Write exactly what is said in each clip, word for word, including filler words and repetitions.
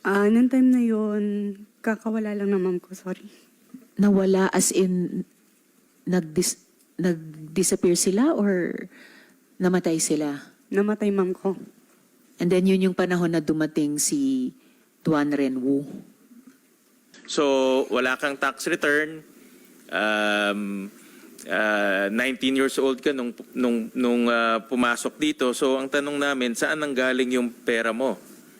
Ah, nung time na yun, kakawala lang ng mom ko, sorry. Nawala as in nag-dis nag-disappear sila or namatay sila? Namatay mom ko. And then yun yung panahon na dumating si Duan Renwu. So, wala kang tax return. Um, uh, nineteen years old ka nung, nung, nung uh, pumasok dito. So, ang tanong namin, saan nanggaling yung pera mo?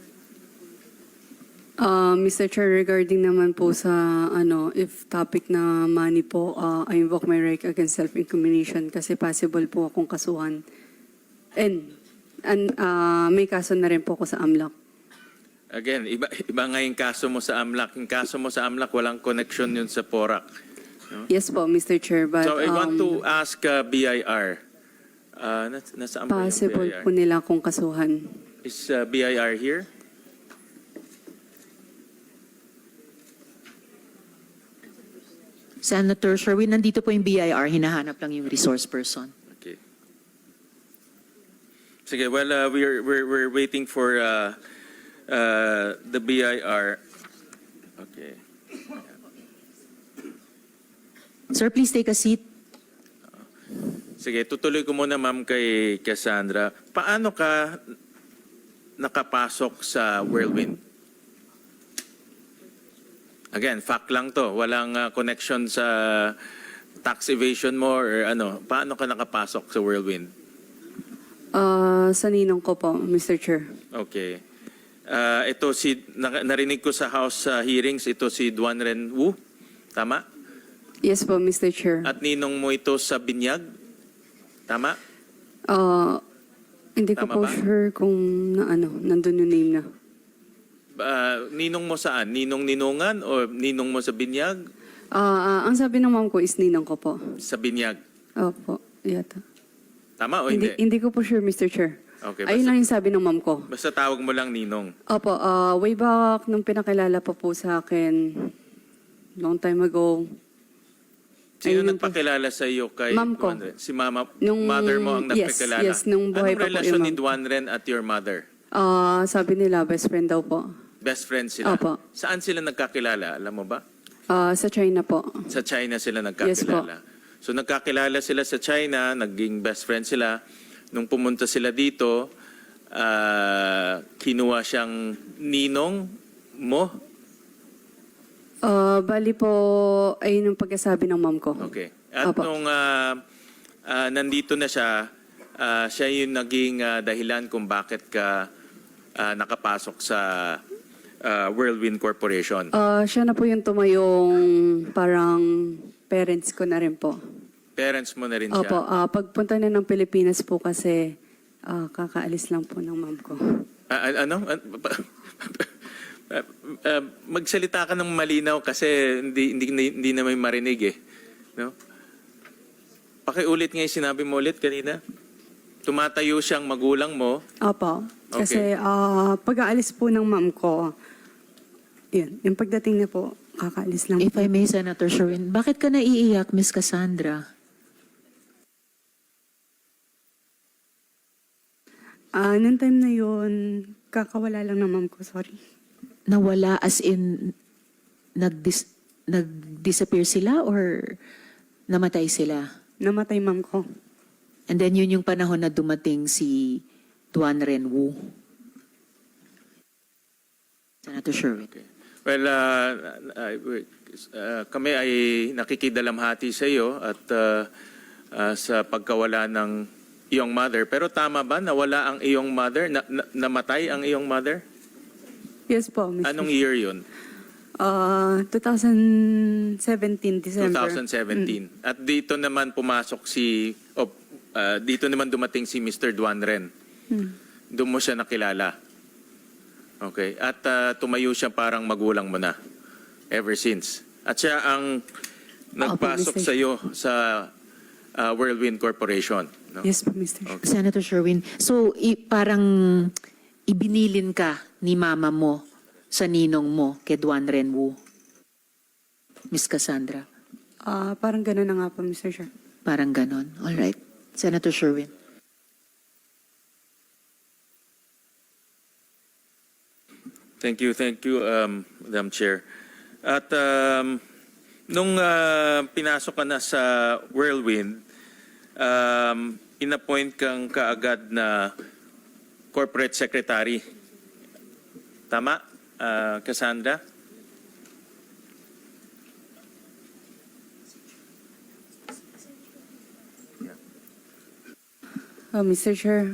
Ah, Mister Chair, regarding naman po sa ano, if topic na money po, ah, I invoke my right against self-incrimination kasi possible po akong kasuhan. And, and ah, may kaso na rin po ako sa AMLAC. Again, iba, iba nga yung kaso mo sa AMLAC. Yung kaso mo sa AMLAC, walang connection yun sa PORAC. Yes po, Mister Chair, but So, I want um, to ask uh, B I R. Uh, nas, nasaan ba yung possible B I R? po nila akong kasuhan. Is uh, B I R here? Senator Sherwin, nandito po yung B I R, hinahanap lang yung resource person. Okay. Sige, well, uh, we're, we're, we're waiting for uh, uh, the B I R. Okay. Sir, please take a seat. Sige, tutuloy ko muna, ma'am, kay Cassandra. Paano ka nakapasok sa Whirlwind? Again, fact lang to. Walang uh, connection sa tax evasion mo or ano. Paano ka nakapasok sa Whirlwind? Ah, sa ninong ko po, Mister Chair. Okay. Uh, ito si, na- narinig ko sa House uh, hearings, ito si Duan Renwu. Tama? Yes po, Mister Chair. At ninong mo ito sa Binyag? Tama? Ah, hindi ko Tama po ba? sure kung na ano, nandun yung name na. Uh, ninong mo saan? Ninong ninungan o ninong mo sa Binyag? Ah, ah, ang sabi ng mom ko is ninang ko po. Sa Binyag. Opo, yata. Tama o Hindi, hindi? hindi ko po sure, Mister Chair. Okay, Ayun basta- lang yung sabi ng mom ko. Basta tawag mo lang ninong. Opo, ah, way back nung pinakilala pa po sa akin, long time ago. Sino Ayun yung po. nagpakilala sa iyo kay Ma'am ko. Duan Ren? Si mama, Nung- mother mo ang yes, nagpakilala? yes, nung buhay Anong pa po relasyon yung ni ma'am. Duan Ren at your mother? Ah, sabi nila, best friend daw po. Best friends sila? Opo. Saan sila nagkakilala? Alam mo ba? Ah, sa China po. Sa China sila Yes po. nagkakilala. So nagkakilala sila sa China, naging best friend sila. Nung pumunta sila dito, ah, kinuha siyang ninong mo? Ah, bali po, ayun yung pagkasabi ng mom ko. Okay. At Opo. nung ah, ah, nandito na siya, ah, siya yung naging ah, dahilan kung bakit ka ah, nakapasok sa ah, Whirlwind Corporation. Ah, siya na po yung tumayong parang parents ko na rin po. Parents mo na rin siya. Opo, ah, pagpunta na ng Pilipinas po kasi ah, kakaalis lang po ng mom ko. Ah, ah, ano? Ah, ah, ah, magsalita ka ng malinaw kasi hindi hindi hindi na may marinig eh. No? Pakiulit nga yung sinabi mo ulit kanina. Tumatayo siyang magulang mo. Opo, Okay. kasi ah, pag-aalis po ng mom ko, yun, yung pagdating niya po, kakaalis lang If po. I may, Senator Sherwin, bakit ka naiiyak, Miss Cassandra? Ah, nung time na yun, kakawala lang ng mom ko, sorry. Nawala as in nag-dis nag-disappear sila or namatay sila? Namatay mom ko. And then yun yung panahon na dumating si Duan Renwu. Senator Sherwin. Okay. Well, uh, uh, uh, kami ay nakikidalamhati sa iyo at uh, uh, sa pagkawala ng iyong mother. Pero tama ba nawala ang iyong mother? Na, na, namatay ang iyong mother? Yes po, Mister Anong year yun? Ah, twenty seventeen, December. twenty seventeen. At dito naman pumasok si, oh, uh, dito naman dumating si Mister Duan Ren. Hmm. Doon mo siya nakilala. Okay. At uh, tumayo siya parang magulang mo na ever since. At siya ang nagpasok Mister sa iyo sa uh, Whirlwind Corporation. No? Yes po, Mister Okay. Senator Sherwin, so i- parang ibinilin ka ni mama mo sa ninong mo kay Duan Renwu, Miss Cassandra. Ah, parang gano'n na nga po, Mister Chair. Parang ganon. All right. Senator Sherwin. Thank you, thank you, um, Madam Chair. At um, nung uh, pinasok ka na sa Whirlwind, um, inappoint kang kaagad na corporate secretary. Tama, uh, Cassandra? Uh, Mister Chair,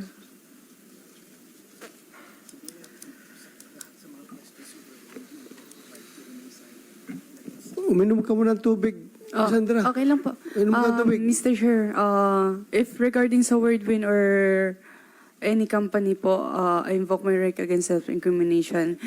Uminom ka muna ng tubig, Oh, Sandra. okay lang po. Inom ka ng Um, tubig. Mister Chair, uh, if regarding sa Wordwin or any company po, uh, I invoke my right against self-incrimination.